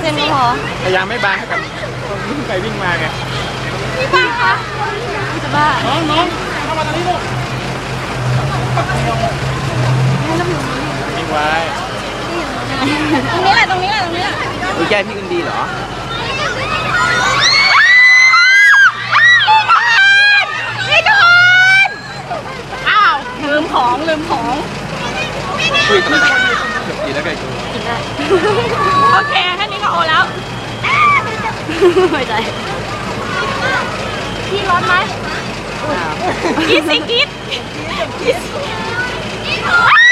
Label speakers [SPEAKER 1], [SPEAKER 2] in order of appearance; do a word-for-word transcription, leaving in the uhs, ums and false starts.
[SPEAKER 1] ส้นก็พอ
[SPEAKER 2] พยายามไม่บางให้กับคนที่วิ่งไปวิ่งมาไง
[SPEAKER 1] พี่บ้าคะจะบ้า
[SPEAKER 2] น้องน้องเข้ามาตรงนี้ลูกวิ่งไว้
[SPEAKER 1] ตรงนี้แหละตรงนี้แหละตรงนี้แหละ
[SPEAKER 3] รู้ใจพี่กันดีเหรอ
[SPEAKER 1] พี่โดนอ้าวลืมของลืมของ
[SPEAKER 3] คุยกันกินแล้วไงกู
[SPEAKER 1] กินได้โอเคแค่นี้ก็โอแล้วไม่ใจพี่ร้อนไหมกินสิกินกิน